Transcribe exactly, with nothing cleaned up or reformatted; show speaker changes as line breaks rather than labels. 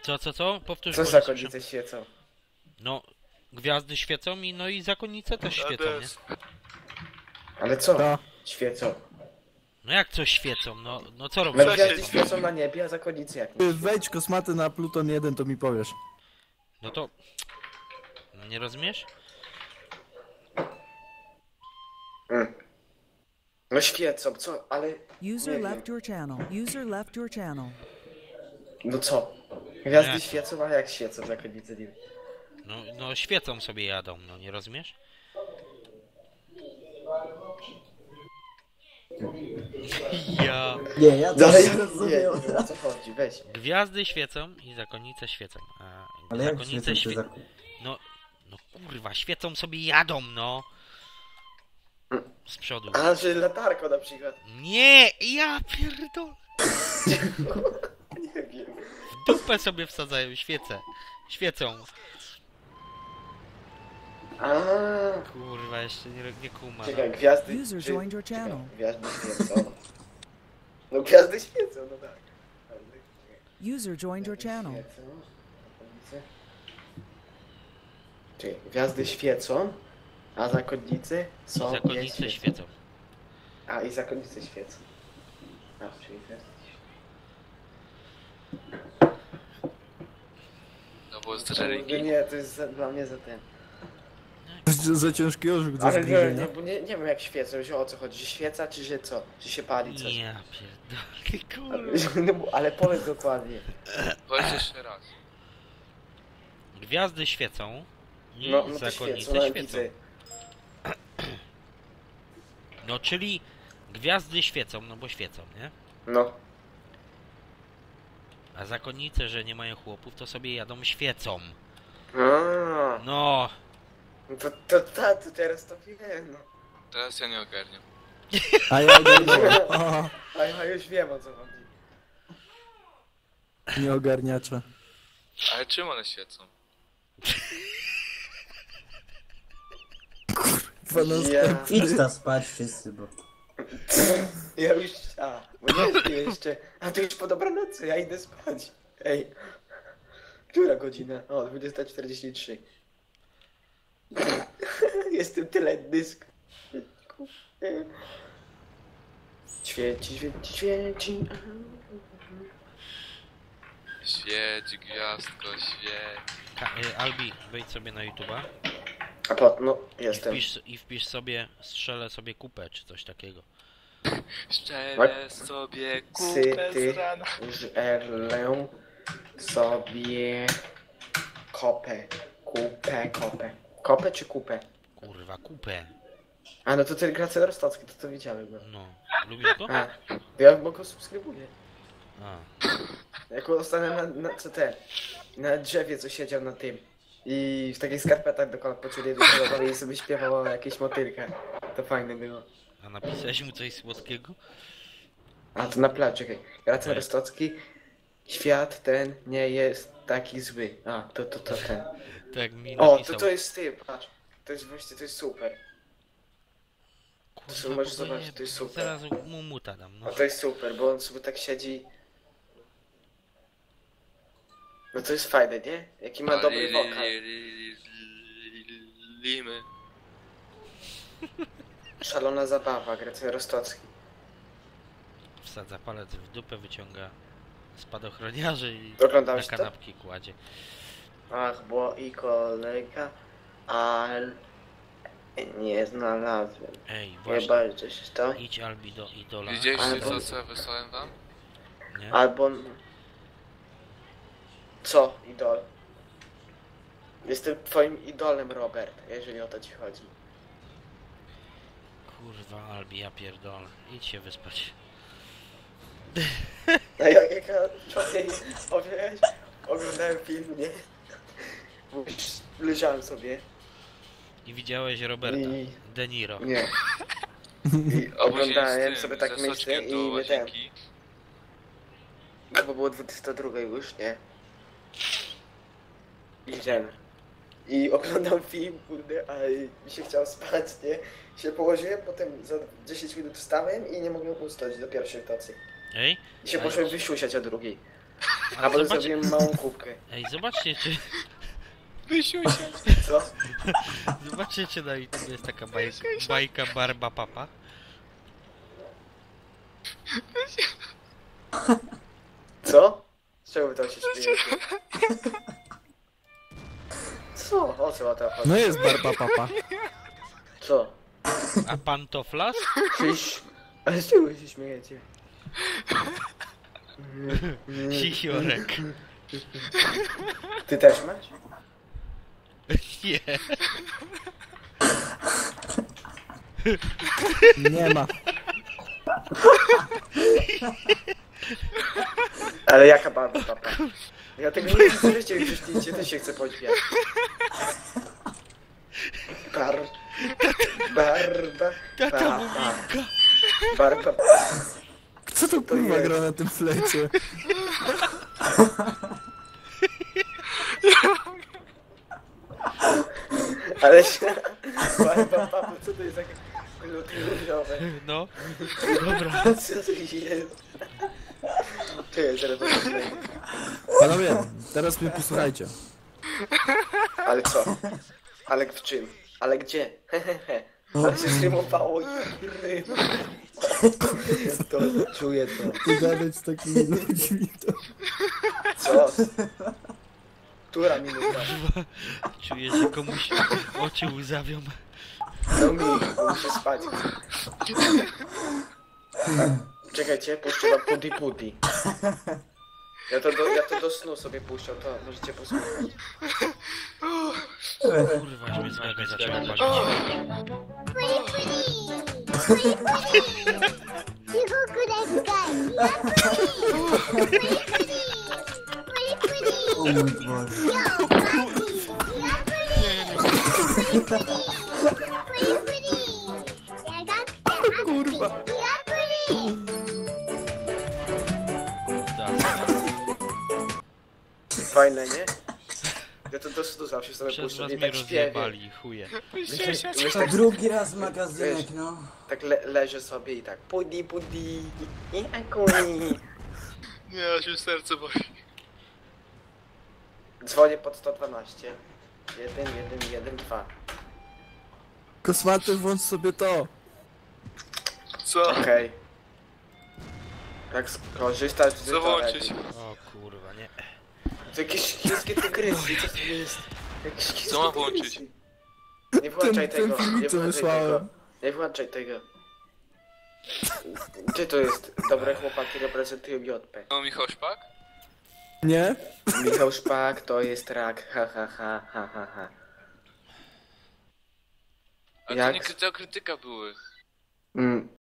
Co, co, co? Powtórz.
Co zakonnice świecą?
No, gwiazdy świecą i no i zakonnice też świecą, nie?
Ale co?
To.
Świecą.
No jak coś świecą? No, no co
No
robisz?
gwiazdy świecą na niebie, a zakonnice jak nie?
Wejdź kosmaty na Pluton jeden, to mi powiesz.
No to... Nie rozumiesz?
Mm. No świecą, co? Ale...
User
Nie
left
wiem.
your channel. User left your channel.
No co? Gwiazdy
Nie.
świecą, ale jak świecą zakonnice nie wiem.
No, no świecą sobie jadą, no nie rozumiesz? Ja...
Nie, ja to
Dalej,
nie
nie,
rozumiem.
nie, o co chodzi, weź.
Gwiazdy świecą i zakonnice świecą. A
Ale jak
zakonnice
świecą te
świe...
zak...
No, no kurwa, świecą sobie jadą, no. Z przodu.
A, że latarką na przykład.
Nie, ja pierdolę.
Nie wiem.
W dupę sobie wsadzają świece. Świecą.
A,
Kurwa, jeszcze nie, nie kuma.
czekaj, gwiazdy...
User
czy-
joined your
czekaj,
channel.
Gwiazdy świecą. No gwiazdy świecą, no tak.
User joined your channel.
Świecą, zakonnice. Czekaj, gwiazdy świecą, a zakonnice są...
I
nie
zakonnice świecą.
A, i zakonnice świecą. A, czyli gwiazdy świecą.
No bo z
Kurde,
religii.
nie, to jest za, dla mnie za ten.
Za ciężki orzech do
Ale nie,
zgryzienia.
nie, bo nie, nie wiem jak świecą, że o co chodzi, że świeca czy że co? Czy się pali coś?
Ja pierdolę,
Ale,
kurwa.
no, bo- ale powiedz dokładnie.
Powiedz jeszcze raz.
Gwiazdy świecą i
No, no to świecą,
zakonnice
no
świecą.
widzę.
No czyli gwiazdy świecą, no bo świecą, nie?
No.
A zakonnice, że nie mają chłopów, to sobie jadą świecą.
A,
No,
no to, to, to, to teraz to wiem, no.
Teraz ja nie ogarniam.
A ja nie wiem. O,
A ja już wiem o co chodzi.
nie ogarniacze.
Ale czym one świecą?
Dwa następne.
Idź tam spać wszyscy, bo...
Ja już, a, bo nie śpię jeszcze. A to już po dobranocy, ja idę spać. Ej. Która godzina? O, dwudziesta czterdzieści trzy. Jestem tyle dysk. Świeci, świeci, świeci.
Świeć, gwiazdko, świeć.
Ka y, Albi, wejdź sobie na YouTube'a
A po, no,
i
jestem.
wpisz, i wpisz sobie, strzelę sobie kupę, czy coś takiego.
Szczelę sobie kupę
Syty,
z rana.
żerlę sobie kopę. Kupę, kopę. Kopę czy kupę?
Kurwa, kupę.
A no to ten Gracel Rostocki, to to widziałem go.
No, lubisz go?
A, to ja go subskrybuję.
A.
Jak ostatnio na, na co te, na drzewie co siedział na tym i w takich skarpetach do kolan pociuli i sobie śpiewał jakieś motylkę. To fajne było.
A napisałeś mu coś słodkiego?
A to na plaży, czekaj. Gracel
Nie.
Rostocki, świat ten nie jest taki zły. A, to, to, to ten.
Tak mi
O,
napisał.
to to jest ty, patrz. To jest właśnie, to jest super.
Kurwa,
możesz
bo go
zobaczyć,
nie-
to jest super.
Zaraz mu muta dam, no.
No to jest super, bo on sobie tak siedzi. No to jest fajne, nie? Jaki ma dobry wokal.
Limy.
Szalona zabawa, Gracel Rostocki.
Wsadza palec w dupę, wyciąga spadochroniarzy i
Oglądałeś
na
to?
kanapki kładzie.
Ach, bo i kolega, ale nie znalazłem.
Ej,
Nie
właśnie,
bardzo się to.
idź Albi do idola.
Widzieliście
Albo-
to, co ja wysłałem wam?
Nie?
Albo... Co, idol? Jestem twoim idolem, Robert, jeżeli o to ci chodzi.
Kurwa, Albi, ja pierdolę. Idź się wyspać.
A jak jak ja wczoraj opowiadałeś, oglądałem film, nie? Mówisz, leżałem sobie
I widziałeś Roberta
i...
De Niro.
Nie. I
A później
oglądałem
z tym,
sobie tak
ze
myślę
soczkiem
i
do
nie ten.
łazienki.
No bo było dwudziesta druga już, nie? I ten. I oglądam film, kurde, a mi się chciało spać, nie? Się położyłem, potem za dziesięć minut wstałem i nie mogłem usnąć do pierwszej tacy.
Ej,
I się
Ale-
poszłem wysiusiać o drugiej. A
Ale
potem
zobacz...
zrobiłem małą kubkę.
Ej, zobaczcie czy...
Wysiuj się.
Co?
Zobaczcie czy na YouTube jest taka bajka, bajka Barba Papa.
Co? Z czego wy to się śmiejecie? Co? O co to chodzi?
No jest barba papa.
Co?
A pantoflas?
Czyś... Ale z czego się śmiejecie?
Sisiorek.
Ty też masz?
Nie.
Nie ma.
Ale jaka barba, papa? Ja tego nie chcę życie, już zdjęcie też się chcę pośmiać. Bar... Barba...
Tata
Papa.
Muminka.
Barba...
Co to kurwa
jest.
gra na tym flecie?
Ale się... Barba, papa, co to jest takie... Różowe?
No. Dobra.
Co to jest? Ty, zaraz będę śmiał.
Panowie, teraz mnie posłuchajcie.
Ale co? Ale w czym? Ale gdzie? Hehehe. Ale się zrymowało i rym. To czuję to.
Ty gadać z takimi ludźmi to...
Co? Która minuta?
Czuję, że komuś oczy łzawią.
No mi, muszę spać. Czekajcie, puszczę wam Pudi Pudi. Ja to, do, ja to do snu sobie puszczę, to możecie posłuchać.
Kurwa, już mnie zgaga zaczęła palić.
O mój Boże.
Kurwa.
Fajne, nie? Ja to do snu zawsze sobie
Przez
puszczę
was
i
mnie
tak śpiewię.
rozjebali, chuje.
Wysiuj się.
Wiesz,
To
tak,
drugi raz magazynek, no.
tak le, leżę sobie i tak Pudi Pudi i akuni.
Nie, aż mi serce boli.
Dzwonię pod sto dwanaście. jeden, jeden, jeden, dwa.
Kosmaty, włącz sobie to.
Co?
Okej. Jak skorzystać z
Co włączyć?
O kurwa, nie.
To jakieś chińskie tygrysy, co to jest? Jakieś chińskie
Co mam
tygrysy.
włączyć?
Nie włączaj
Ten- ten
tego,
filmik,
nie
co
włączaj
wysłałem.
tego. Nie włączaj tego. Gdzie to jest? Dobre chłopaki reprezentują J P.
No Michał Szpak?
Nie?
Michał Szpak to jest rak, ha ha ha ha ha ha.
A
Jak?
to nie krytyka, krytyka były.
Mm,